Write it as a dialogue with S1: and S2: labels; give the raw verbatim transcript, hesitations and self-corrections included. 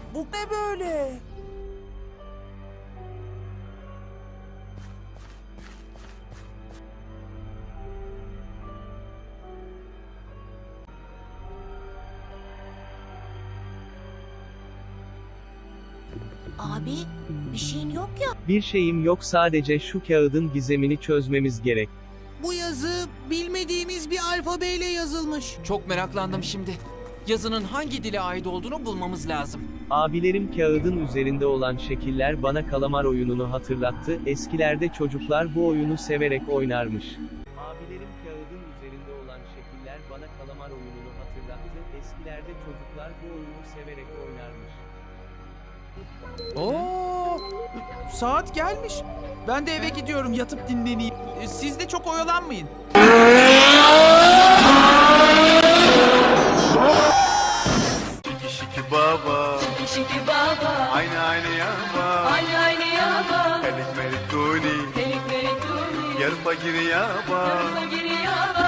S1: Bu ne böyle?
S2: Abi, bir şeyin yok ya.
S3: Bir şeyim yok, sadece şu kağıdın gizemini çözmemiz gerek.
S1: Bu yazı bilmediğimiz bir alfabeyle yazılmış.
S4: Çok meraklandım şimdi. Yazının hangi dile ait olduğunu bulmamız lazım.
S3: Abilerim kağıdın üzerinde olan şekiller bana kalamar oyununu hatırlattı. Eskilerde çocuklar bu oyunu severek oynarmış. Abilerim kağıdın üzerinde olan şekiller bana kalamar oyununu hatırlattı. Eskilerde çocuklar bu oyunu severek oynarmış.
S5: Oo, saat gelmiş. Ben de eve gidiyorum, yatıp dinleneyim. E, Siz de çok oyalanmayın.
S6: Şiki şiki baba,
S7: Şiki baba,
S6: aynı aynı yaba.
S7: aynı aynı yaba,
S6: Melik melik duni,
S7: delik delik duni,
S6: yarım bagiri yaba.
S7: yarıma giri yaba.